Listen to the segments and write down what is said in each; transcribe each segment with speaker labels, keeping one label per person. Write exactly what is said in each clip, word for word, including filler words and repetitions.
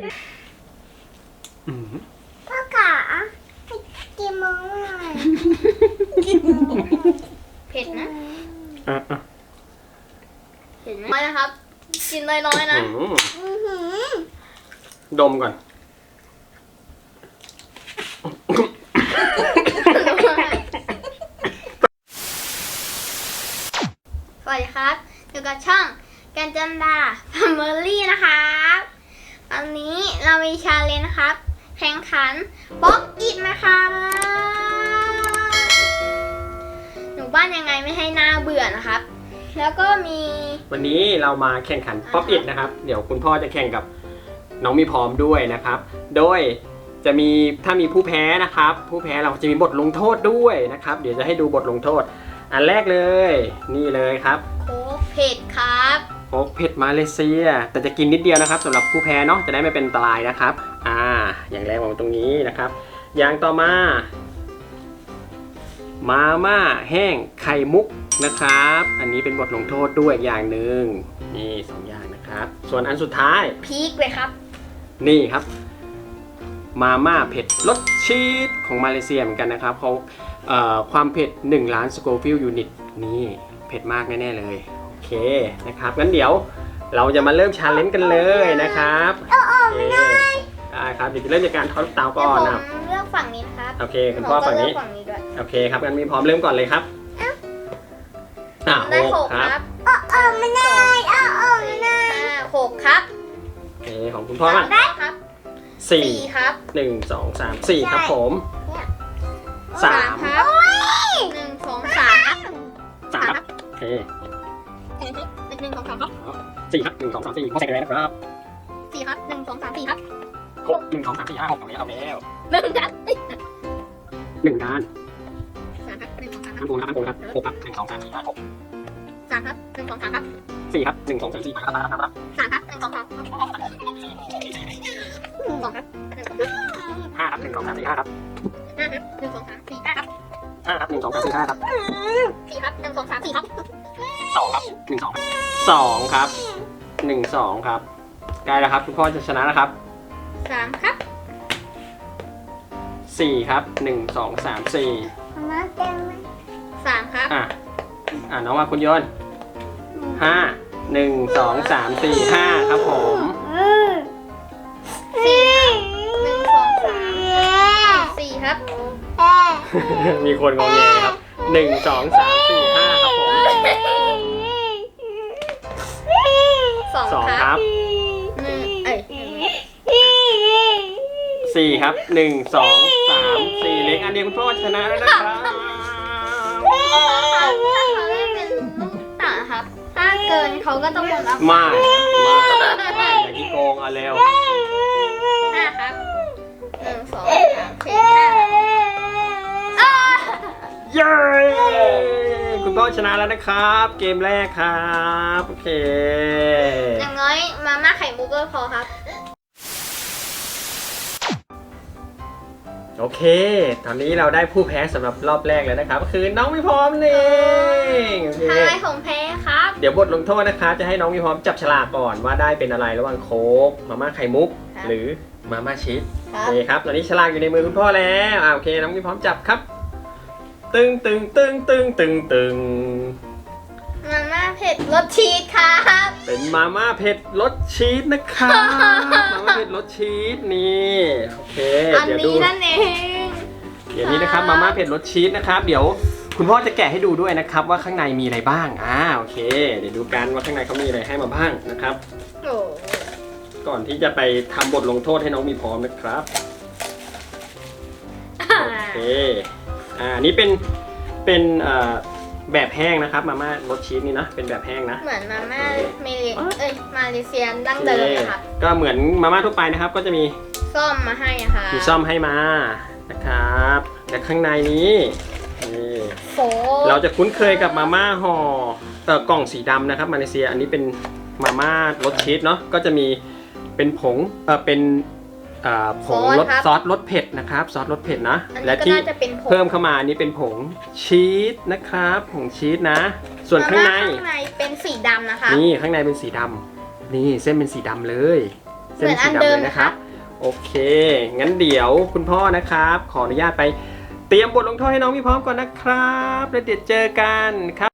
Speaker 1: พ่อขากินมั้งหน่อย
Speaker 2: เผ็ดนะ
Speaker 3: อ่ะอ่ะ
Speaker 2: เผ็ดไหมน้อยนะครับ กินน้อยๆนะ
Speaker 3: ดมก่อน
Speaker 2: สวัสดีครับอยู่กับช่องกันจันดาแฟมิลี่นะครับวันนี้เรามีชาเลนจ์นะครับ แข่งขันป๊อกอิดนะคะหนูบ้านยังไงไม่ให้หน้าเบื่อนะครับ แล้วก็มี
Speaker 3: วันนี้เรามาแข่งขันป๊อปอิทนะครับ เดี๋ยวคุณพ่อจะแข่งกับน้องมีพร้อมด้วยนะครับ โดยจะมีถ้ามีผู้แพ้นะครับ ผู้แพ้เราจะมีบทลงโทษด้วยนะครับ เดี๋ยวจะให้ดูบทลงโทษ อันแรกเลยนี่เลยครับ
Speaker 2: โค้กเผ็ดครับ
Speaker 3: โอ๊กเผ็ดมาเลเซีย แต่จะกินนิดเดียวนะครับสำหรับผู้แพ้เนาะจะได้ไม่เป็นอันตรายนะครับอ่าอย่างแรกวางตรงนี้นะครับ อย่างต่อมามาม่าแห้งไข่มุกนะครับ อันนี้เป็นบทลงโทษด้วยอย่างหนึ่งนี่สองอย่างนะครับ ส่วนอันสุดท้าย
Speaker 2: พีคเลยครับ
Speaker 3: นี่ครับมาม่าเผ็ดรสชีสของมาเลเซียเหมือนกันนะครับเขาเอ่อความเผ็ดหนึ่งล้านสโกฟิลยูนิตนี่เผ็ดมากแน่ๆเลยโอเคนะครับงั้นเดี๋ยวเราจะมาเริ่มชาเลนจ์กันเลยนะครับโอเคได้ครับเดี๋ยวจะเริ่มจากการทอดเตาก่อนนะ
Speaker 2: ผมเลือกฝั่งนี้นะครับ
Speaker 3: โอเคคุณพ่อฝั่งนี้
Speaker 2: ผมก็เลือกฝั่งนี้ด้วย
Speaker 3: โอเคครับงั้นมีพร้อมเริ่มก่อนเลยครับอ่ะ
Speaker 2: ได้
Speaker 3: ห
Speaker 2: ห
Speaker 3: ก
Speaker 2: ก
Speaker 3: ค
Speaker 2: ครับ รับ
Speaker 1: อ้ออ้อไม่ได้อ้ออ้อไม่ได้
Speaker 2: ห้าหกครับ
Speaker 3: โอเคของคุณพ่อบ้าง
Speaker 2: ได้ครับ
Speaker 3: สี่
Speaker 2: สี่ครับ
Speaker 3: หนึ่งสองสามสี่ครับผมสาม
Speaker 2: ครับหนึ่งสองสามครับ
Speaker 3: สามครับโอเค
Speaker 2: หนึ่งสองสามครับ
Speaker 3: สี่ครับหนึ่งสองสามสี่พ่อใส่กันเลยนะครับ
Speaker 2: สี่ครับหนึ่งสองสามสี่ครับ
Speaker 3: หกหนึ่งสองสามสี่ห้าหกเอาแล้วเอาแล้ว
Speaker 2: หนึ่งครับ
Speaker 3: หนึ่งด้าน
Speaker 2: สามครับหนึ่งสองสามค
Speaker 3: ข้า
Speaker 2: รับ
Speaker 3: งบนครับข้างบนครับหกครับหนึ่งสองสามสี่ห้าหก
Speaker 2: สามครับหนึ่งสองสามครับ
Speaker 3: สี่ครับหนึ่งสองสามสี่ห้าครับครับ
Speaker 2: สามครับหนึ่งสองสามสองครับหนึ่งสองสาม
Speaker 3: ห้าครับหนึ่งสองสามสี่ห้าครับ
Speaker 2: ห้าครับหนึ่งสองสามสี่ห้าครับ
Speaker 3: ห้าครับหนึ่งสองสามสี่ห้าครับ
Speaker 2: สี่ครับหนึ่งสองสามสี่ครับ
Speaker 3: สองครับหนึ่งสองสองครับหนึ่งสองครับใกล้แล้วครับคุณพ่อจะชนะแล้วครับ
Speaker 2: สามครับ
Speaker 3: สี่ครับหนึ่งสองสามสี่
Speaker 1: มาเต็มไหม
Speaker 2: สามครับ
Speaker 3: อ่ะอ่ะน้องว่าคุณโยนห้าหนึ่งสองสามสี่ห้าครับผม
Speaker 2: สี่หนึ่งสองสามสี่ครับ
Speaker 3: มีคนงงแงครับหนึ่งสองสามสี่ห้าครับผม
Speaker 2: สอง
Speaker 3: สอง
Speaker 2: ค
Speaker 3: ค
Speaker 2: รั
Speaker 3: รั
Speaker 2: บบ หนึ่งเอ้ย
Speaker 3: สี่ครับหนึ่งสองสามสี่เล็กอันเดียวคุณพ่อชนะแล้วนะครับ
Speaker 2: ถ้าเขาเล่นเป็นลูกต่างครับ ถ้าเกินเขาก็ต้องหมดแล้ว
Speaker 3: มามาอย่าขี้โกงเอาเร็ว
Speaker 2: ห้าครับหนึ่งสองสามสี่ห้าครับ
Speaker 3: เย้คุณพ่อชนะแล้วนะครับ เกมแรกครับโอเค
Speaker 2: อย่างน้อยมาม่าไข่มุกก็พอครับ
Speaker 3: โอเค ตอนนี้เราได้ผู้แพ้สำหรับรอบแรกแล้วนะครับก็คือน้องมีพร้อมนี่เองโอเค
Speaker 2: ทำไมผมแพ้ครับ
Speaker 3: เดี๋ยวบทลงโทษนะครับจะให้น้องมีพร้อมจับฉลากก่อนว่าได้เป็นอะไรระหว่างโค้กมาม่าไข่มุก หรือมาม่าชีส
Speaker 2: ครั
Speaker 3: โอบ เคครับตอนนี้ฉลากอยู่ในมือคุณพ่อแล้วอ่าโอเคน้องมีพร้อมจับครับ ตึงตึงตึงตึงตึงตึง
Speaker 2: มาม่าเผ็ดรสชีสครับ
Speaker 3: เป็นมาม่าเผ็ดรสชีสนะครับมาม่าเผ็ดรสชีสนี่โอเค
Speaker 2: อัน
Speaker 3: เดี๋ยวดู
Speaker 2: นี้นั่นเอง
Speaker 3: เดี๋ยวนี้นะครับมาม่าเผ็ดรสชีสนะครับเดี๋ยวคุณพ่อจะแกะให้ดูด้วยนะครับว่าข้างในมีอะไรบ้างอ่าโอเค เดี๋ยวดูกันว่าข้างในเขามีอะไรให้มาบ้างนะครับ
Speaker 2: โอ้
Speaker 3: ก่อนที่จะไปทำบทลงโทษให้น้องมีพร้อมนะครับโอเคอ่านี่เป็นเป็นเอ่อแบบแห้งนะครับมาม่ารสชีสนี่นะเป็นแบบแห้งนะ
Speaker 2: เหมือนมาม่าเมเลเอ้ยมาเลเซียดั้งเดิมนะครับ
Speaker 3: ก็เหมือนมาม่าทั่วไปนะครับ ก็จะมี
Speaker 2: ส้มมาให้อะค่ะ
Speaker 3: มีซ่อมให้มานะครับและข้างในนี้นี่
Speaker 2: โฟ
Speaker 3: เราจะคุ้นเคยกับมาม่าห่อเอ่อกล่องสีดำนะครับมาเลเซียอันนี้เป็นมาม่ารสชีสเนาะก็จะมีเป็นผงเออเป็นเอ่อผงรสซอสรสเผ็ดนะครับซอสรสเผ็ดนะ
Speaker 2: อัน
Speaker 3: และ
Speaker 2: นี้ก็
Speaker 3: ที่
Speaker 2: น่าจะเป็นผง
Speaker 3: เพิ่มเข้ามาอันนี้เป็นผงชีสนะครับผงชีสนะ ส่วนข้างใน
Speaker 2: มม่ข้างในเป็นสีดำนะคะ
Speaker 3: นี่ข้างในเป็นสีดำนี่เส้นเป็นสีดำเลยเส้นสีดำเลยนะครับโอเคงั้นเดี๋ยวคุณพ่อนะครับขออนุญาตไปเตรียมบทลงโทษให้น้องมีพร้อมก่อนนะครับแล้วเดี๋ยวเจอกันครับ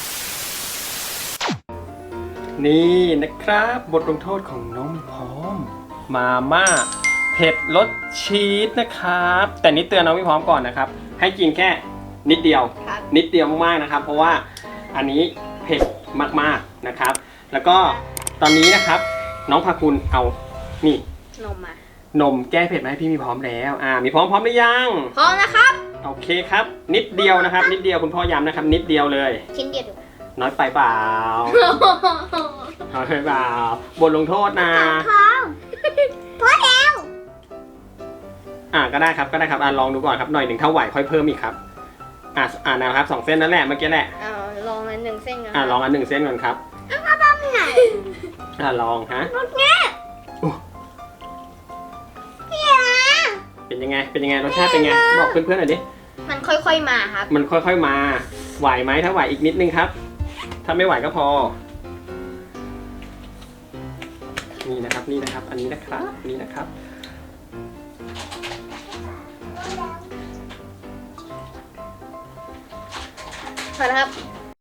Speaker 3: นี่นะครับบทลงโทษของน้องมีพร้อมมาม่าเผ็ดรสชีสนะครับแต่นิดเตือนน้องมีพร้อมก่อนนะครับให้กินแค่นิดเดียว
Speaker 2: ครับ
Speaker 3: นิดเดียวมากๆนะครับเพราะว่าอันนี้เผ็ดมากๆนะครับแล้วก็ตอนนี้นะครับน้องพาคุณเอานี่
Speaker 2: นมมาน
Speaker 3: มแก้เผ็ดมาให้พี่มีพร้อมแล้วอ่ามีพร้อมพร้อมหรือยัง
Speaker 2: พร้อมนะครับ
Speaker 3: โอเคครับนิดเดียวนะครับนิดเดียวคุณพ่อย้ำนะครับนิดเดียวเลย
Speaker 2: ชิ้นเดียวดู
Speaker 3: น้อยไปเปล่าน้อยไปเปล่าบทลงโทษนะ
Speaker 1: พร้อมพอแล้ว
Speaker 3: อ่าก็ได้ครับก็ได้ครับอ่าลองดูก่อนครับหน่อยหนึ่งถ้าไหวค่อยเพิ่มอีกครับอ่าอ่านะครับสองเส้นนั่นแหละเมื่อกี้แหละ
Speaker 2: เอาลองอันหนึ่งเส้นก่อน
Speaker 3: อ่าลองอันหนึ่งเส้นก่อนครับ
Speaker 1: ไหน
Speaker 3: อ่าลองฮะ
Speaker 1: รถเนี้ย
Speaker 3: อู้
Speaker 1: พี่อา
Speaker 3: เป็นยังไงเป็นยังไงรสชาติเป็นไงบอกเพื่อนๆหน่อยดิ
Speaker 2: มันค่อยๆมาครับ
Speaker 3: มันค่อยๆมาไหวไหมถ้าไหวอีกนิดนึงครับ ถ้าไม่ไหวก็พอนี่นะครับนี่นะครับ อันนี้นะครับอันนี้นะครับ
Speaker 2: พอแล้วครับ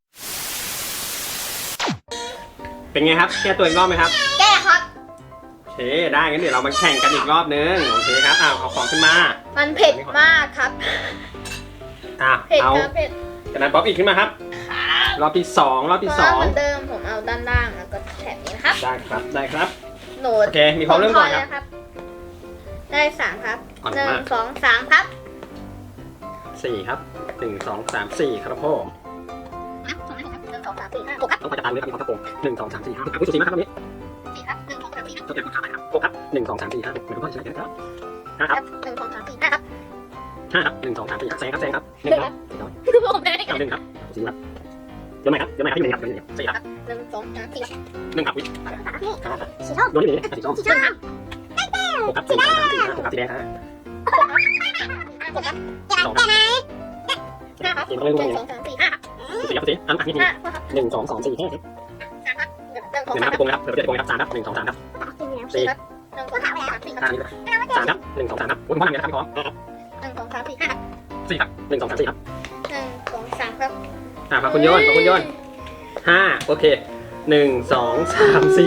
Speaker 3: เป็นไงครับแก้ตัวอีกรอบไหมครับ
Speaker 2: แก้ครับ
Speaker 3: โอเคได้งั้นเดี๋ยวเรามาแข่งกันอีกรอบนึงโอเคครับอ้าวเอาของขึ้นมา
Speaker 2: มันเผ็ดมากครับ
Speaker 3: อ่ะ
Speaker 2: เผ็ด
Speaker 3: เอา
Speaker 2: ครับเผ็ด
Speaker 3: จากนั้นป๊อปอีกขึ้นมาครับรอบที่สองรอบที่ส
Speaker 2: ก็
Speaker 3: อง
Speaker 2: เหมือนเดิมผมเอาด้านล่างแล้วก็แถบนี้นะครับ
Speaker 3: ได้ครับได้ครับ
Speaker 2: โหนด
Speaker 3: โอเคมีพร้อมเริ่มก่อนครับ
Speaker 2: ผมพแล้วได้สามครับ
Speaker 3: อ่อน
Speaker 2: หนึ่ง
Speaker 3: มาก
Speaker 2: สองสามครับ
Speaker 3: สี่ครับหนึ่งสองสามสี่ครับพ่อ
Speaker 2: หนึ่งสองสามสี่ห้าหกครับ
Speaker 3: ต้องคอยจับตาเลยครับมีความกระโปรงหนึ่งสองสามสี่ห้าหกคุณสุสีมากครับตรงนี้
Speaker 2: สี่ครับหนึ่งสองสามสี่ห้า
Speaker 3: ต้องเก็บขาไหนครับหกครับหนึ่งสองสามสี่ห้าหกเหมือนคุณพ่อใช่ไหมครับห้าครับ
Speaker 2: หนึ่งสองสามสี่ห้าครับ
Speaker 3: ห้าครับหนึ่งสองสามสี่ห้าแซงครับแซงครับหนึ่งครับ
Speaker 2: ผมไม่ได้
Speaker 3: เอาหนึ่งครับสี่ครับโยนใหม่ครับโยนใหม่ครับที่หนึ่งครับโยนหนึ่งสี่ครับ
Speaker 2: หนึ่งสองสามสี่
Speaker 3: หนึ่งครับวิ
Speaker 1: นี่
Speaker 3: ห้าครับ
Speaker 1: สีส้ม
Speaker 3: โยนที่หนึ่งสีส้ม
Speaker 1: สีส้มครับ
Speaker 3: หกครับหนึ่งสองสามสี่ห้าหกครับสีแดงฮะ
Speaker 2: หกครับ
Speaker 3: สองครับ
Speaker 2: ห้าครับ
Speaker 3: สี่
Speaker 2: ห
Speaker 3: ต้องเล่น
Speaker 2: นึ่
Speaker 3: ลูก
Speaker 2: ง
Speaker 3: นี้
Speaker 2: สองสามสี่ห้าครับ
Speaker 3: สี่ครับสี่อันอันนี้
Speaker 2: ห้าครับ
Speaker 3: หนึ่งสองสองสี่ห้า
Speaker 2: สามครับหนึ่งสอง
Speaker 3: หนึ่ง
Speaker 2: สาม
Speaker 3: ครับโกงนะครับเผื่อจะโกงครับสามครับหนึ่งสองสามครับ
Speaker 2: สี่ครับหนึ่งสองสามสี่ครับ
Speaker 3: ห้านี่สามครับหนึ่งสองสามครับคุณพ่อทำยังไงนะครับพี่พร้อม
Speaker 2: หนึ่งสองสามสี่ห้าครับ
Speaker 3: สี่ครับหนึ่งสองสามสี่ครับ
Speaker 2: หนึ่งสองสามครับ
Speaker 3: อ่าพาคุณโยนพาคุณโยนห้าโอเคหนึ่งสองสามสี่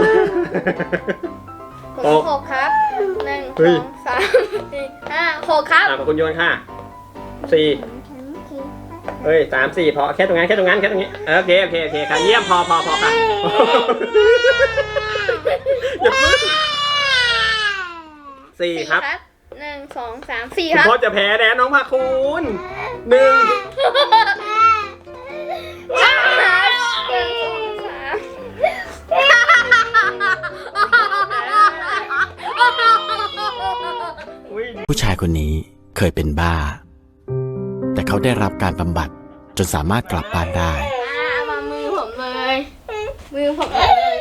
Speaker 2: กดหกครับหนึ่ง
Speaker 3: เฮ้
Speaker 2: ส
Speaker 3: ย
Speaker 2: องสามสี่ห้าหกครับ
Speaker 3: อ่าพาคุณโยนค่ะสี่เฮ้ยสามสี่พอแค่ตรงนั้นแค่ตรงนั้นแค่ตรงนี้โอเคโอเคโอเคค่ะเยี่ยมพอพอพอค่ะอย่าเพิ่งสี่ครับ
Speaker 2: หนึ่งสองสามสี่
Speaker 3: คุณ
Speaker 2: ครับ
Speaker 3: พ่อจะแพ้แล้วน้องพาคุณหนึ่ง
Speaker 2: ห้าหนึ่งสองสาม
Speaker 3: อุ้ย
Speaker 4: ผู้ชายคนนี้เคยเป็นบ้า แต่เขาได้รับการบำบัดจนสามารถกลับบ้านได้
Speaker 2: อ่ามามือผมเลย มือผมเลย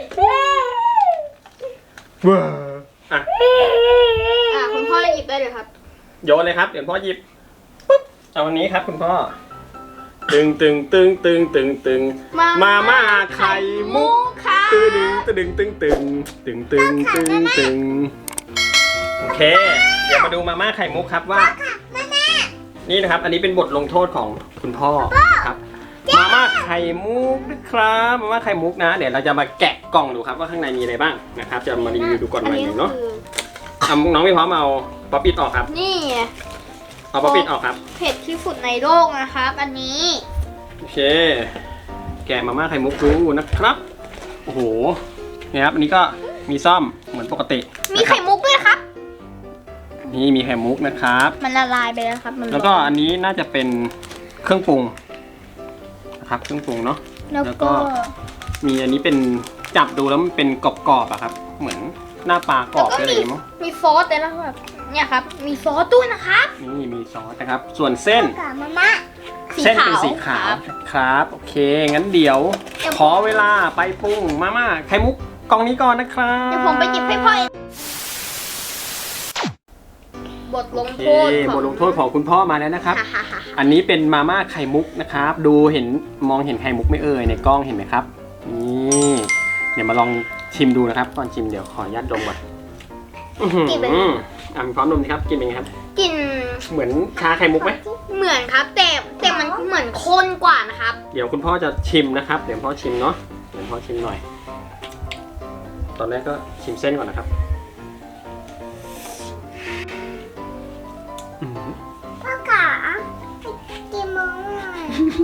Speaker 3: ว้าอ่ะ
Speaker 2: อ่าคุณพ่อหยิบได้เลยครับ
Speaker 3: โยนเลยครับเดี๋ยวพ่อหยิบปุ๊บเอาวันนี้ครับคุณพ่อตึงตึงตึงตึงตึงตึงมาม่าไข่มุก
Speaker 2: ค่ะ
Speaker 3: ตึงตึงตึงตึงตึงตึงตึงตึงตึงโอเค เดี๋ยวมาดูมาม่าไข่มุกครับว่านี่นะครับ อันนี้เป็นบทลงโทษของคุณพ่อครับมาม่าไข่มุกนะครับมาม่าไข่มุกนะ เดี๋ยวเราจะมาแกะกล่องดูครับว่าข้างในมีอะไรบ้างนะครับ จะมารีวิวดูก่อนหน่อยหนึ่งเนาะเอาน้องไม่พร้อมเอาป๊อปปี้ออกครับ
Speaker 2: นี่
Speaker 3: เอาป๊อปปี้ออกครับ
Speaker 2: เผ็ดที่สุดในโลกนะครับ อันนี้
Speaker 3: โอเค แกะมาม่าไข่มุกดูนะครับ โอ้โหนี่ครับ อันนี้ก็มีซ่อมเหมือนปกติ
Speaker 2: มีไข่มุกด้วยครับ
Speaker 3: นี่มีไข่มุกนะครับ
Speaker 2: มันละลายไปแล้วครับ มัน
Speaker 3: แล้วก็อันนี้น่าจะเป็นเครื่องปรุงนะครับ เครื่องปรุงเนาะ
Speaker 2: แล้ว
Speaker 3: แล้วก็
Speaker 2: ก็
Speaker 3: มีอันนี้เป็นจับดูแล้วมันเป็นกรอบๆอะครับ เหมือนหน้าปลากรอบอะไรอย่างเงี้ยมั้ง
Speaker 2: มีซอสแต่ละแบบเนี่ยครับ มีซอสด้วยนะครับ
Speaker 3: นี่มีซอสนะครับ ส่วนเส้น
Speaker 1: กับมาม่า
Speaker 3: เส้นเป็นสีขาวครับ โอเค งั้นเดี๋ยว ขอเวลาไปปรุงมาม่าไข่มุกกล่องนี้ก่อนนะครับ
Speaker 2: เดี๋ยวผมไปหยิบให้พ่อเองบทลง
Speaker 3: โอเค
Speaker 2: โทษของ
Speaker 3: บทลงโทษของคุณพ่อมาแล้วนะครับ
Speaker 2: ฮ่าฮ่าฮ่า
Speaker 3: อันนี้เป็นมาม่าไข่มุกนะครับ ดูเห็นมองเห็นไข่มุกไม่เอ่ยในกล้องเห็นไหมครับ นี่ เดี๋ยวมาลองชิมดูนะครับ ก่อนชิมเดี๋ยวขออนุญาตดมก่อนอื้อหือ
Speaker 2: กินเป็น
Speaker 3: อ่ะมีพร้อมนมสิครับกินเป็นไงครับ
Speaker 2: กลิ่น
Speaker 3: เหมือนชาไข่มุกไหม
Speaker 2: เหมือนครับ แต่แต่มันเหมือนข้นกว่านะครับ
Speaker 3: เดี๋ยวคุณพ่อจะชิมนะครับ เดี๋ยวพ่อชิมเนาะเดี๋ยวพ่อชิมหน่อย ตอนแรกก็ชิมเส้นก่อนนะครับอื้อหือ
Speaker 1: พ่อขาให้กินมั้งหน่อย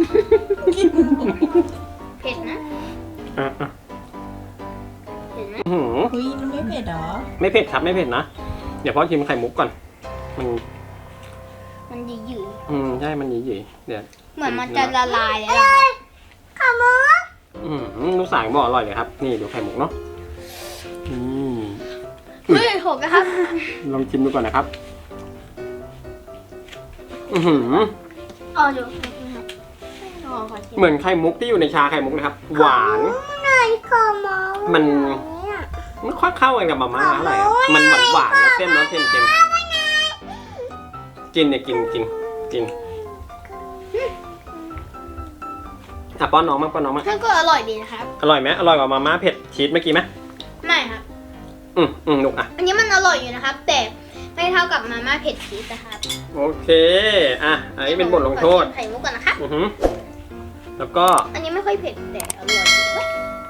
Speaker 2: เผ็ดนะ
Speaker 3: อ่ะอ่ะ
Speaker 2: เห็นไหม
Speaker 3: อื้อหือ
Speaker 5: อุ้ยมันไม่เผ็ดเหรอ
Speaker 3: ไม่เผ็ดครับไม่เผ็ดนะ เดี๋ยวพ่อชิมไข่มุกก่อน มัน
Speaker 2: มันหยืด
Speaker 3: อืมใช่มันหยีๆเดี๋ยว
Speaker 2: ๆเหมือนมันจะละลายแล้วอะครับ
Speaker 1: ขาหมู
Speaker 3: อืมลูกสาวบอกอร่อยเลยครับ นี่ดูไข่มุกเนาะอืม
Speaker 2: เฮ้ยหกนะครับ
Speaker 3: ลองชิมดูก่อนนะครับ อือหือ
Speaker 2: อ๋อดูอ๋อขอชิม
Speaker 3: เหมือนไข่มุกที่อยู่ในชาไข่มุกนะครับ หวาน
Speaker 1: หน่อยขาหมู
Speaker 3: มัน
Speaker 1: เนี่ย
Speaker 3: ไม่ค่อยเข้ากันกับมาม่าเท่าไหร่ครับมันหวานหวานๆแล้วเส้นเนาะเส้นเค็มกินเนี่ยกินกินกินอ่ะป้อนน้องมั้งป้อนน้องมั้ง
Speaker 2: มันก็อร่อยดีนะครับ
Speaker 3: อร่อยไหมอร่อยกว่ามาม่าเผ็ดชีสเมื่อกี้ไหม
Speaker 2: ไม่ครับ
Speaker 3: อืมอืมลูกอ่ะ
Speaker 2: อันนี้มันอร่อยอยู่นะครับ แต่ไม่เท่ากับมาม่าเผ็ดชีสนะครับ
Speaker 3: โอเคอ่ะอันนี้เป็นบทลงโทษ
Speaker 2: ขอชิมไข่มุกก่อนนะครับ
Speaker 3: อือหือแล้วก็
Speaker 2: อันนี้ไม่ค่อยเผ็ดแต่อร่อยอยู่เว้ย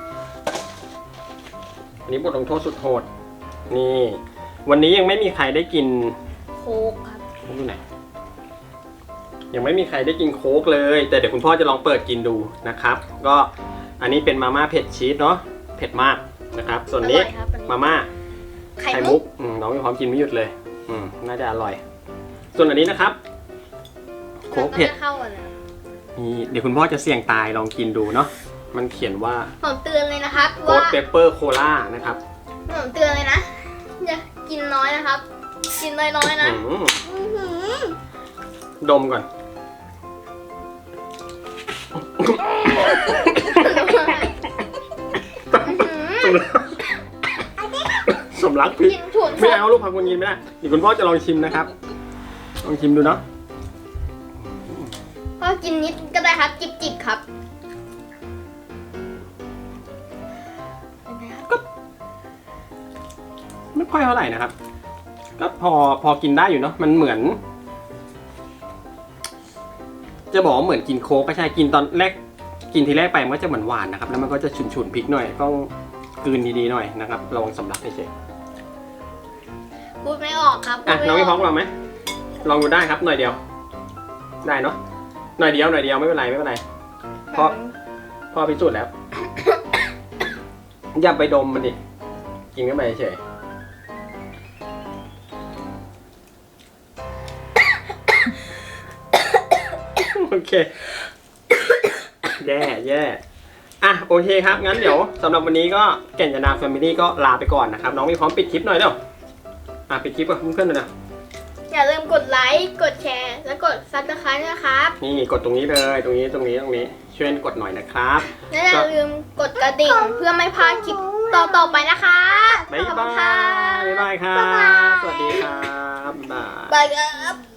Speaker 3: อันนี้บทลงโทษสุดโหดนี่ วันนี้ยังไม่มีใครได้กิน
Speaker 2: โค้กครับ
Speaker 3: โค้กอยู่ไหนยังไม่มีใครได้กินโค้กเลย แต่เดี๋ยวคุณพ่อจะลองเปิดกินดูนะครับ ก็อันนี้เป็นมาม่าเผ็ดชีสเนาะเผ็ดมากนะครับ ส่วนนี้
Speaker 2: อร่อยครับอันนี้
Speaker 3: มาม่า
Speaker 2: ไข่
Speaker 3: ไข่
Speaker 2: มุ
Speaker 3: มุ
Speaker 2: ก
Speaker 3: กอืมน้องมีความกินไม่หยุดเลย อืมน่าจะอร่อย ส่วนอันนี้นะครับโค้กเผ็ด
Speaker 2: มันก็จะเข้ากันนะ
Speaker 3: นี่เดี๋ยวคุณพ่อจะเสี่ยงตายลองกินดูเนาะมันเขียนว่า
Speaker 2: ผมเตือนเลยนะครับ
Speaker 3: โค้
Speaker 2: ว่า
Speaker 3: ดเปเปอร์โคลานะครับ
Speaker 2: ผมเตือนเลยนะอย่ากินน้อยนะครับ กินน้อยๆนะ
Speaker 3: อืม
Speaker 1: อื้อหือ
Speaker 3: ดมก่อน สมรักพี่
Speaker 2: กินถั่ว
Speaker 3: ไม่เอาลูกผักคุณยินไม่ได้เดี๋ยวคุณพ่อจะลองชิมนะครับ ลองชิมดูเนาะ
Speaker 2: ก็กินนิดก็ได้ครับ จิบๆครับเป็นไงครับ
Speaker 3: ไม่ค่อยเท่าไหร่นะครับ ก็พอพอกินได้อยู่เนาะ มันเหมือน จะบอกว่าเหมือนกินโค้กก็ใช่ กินตอนแรก กินทีแรกไปมันก็จะเหมือนหวานนะครับ แล้วมันก็จะฉุนๆพริกหน่อย ต้องกลืนดีๆหน่อยนะครับ ระวังสำลักเฉย
Speaker 2: พูดไม่ออกครับ
Speaker 3: ๆอ่ะ
Speaker 2: พูด
Speaker 3: น้อง
Speaker 2: ไม่
Speaker 3: พี่
Speaker 2: อ
Speaker 3: พ้
Speaker 2: อ
Speaker 3: อก งลองไหม ลองดูได้ครับ หน่อยเดียว ได้เนาะ หน่อยเดียว หน่อยเดียวไม่เป็นไรไม่เป็นไร เพราะ พ่อพิสูจน์แล้ว อย่าไปดมมันดิ กินเข้าไปเฉย โอเค แย่แย่อ่ะโอเคครับ งั้นเดี๋ยวสำหรับวันนี้ก็แก่นยานาแฟมิลี่ก็ลาไปก่อนนะครับ น้องมีพร้อมปิดคลิปหน่อยเดี๋ยวอ่ะปิดคลิปกับเพื่อนๆหน่อยนะ
Speaker 2: อย่าลืมกดไลค์ กดแชร์ และกดซับสไครต์นะครับ
Speaker 3: นี่กดตรงนี้เลย ตรงนี้ตรงนี้ตรงนี้ ช่วยกดหน่อยนะครับ
Speaker 2: และอย่าลืมกดกระดิ่งเพื่อไม่พลาดคลิปต่อๆไปนะคะ
Speaker 3: บ๊าย
Speaker 2: ขอบ
Speaker 3: บา
Speaker 2: คุณค่ะ
Speaker 3: ยบ๊ายบายครับ สวัสดีครับบ๊ายบาย
Speaker 2: บายครับ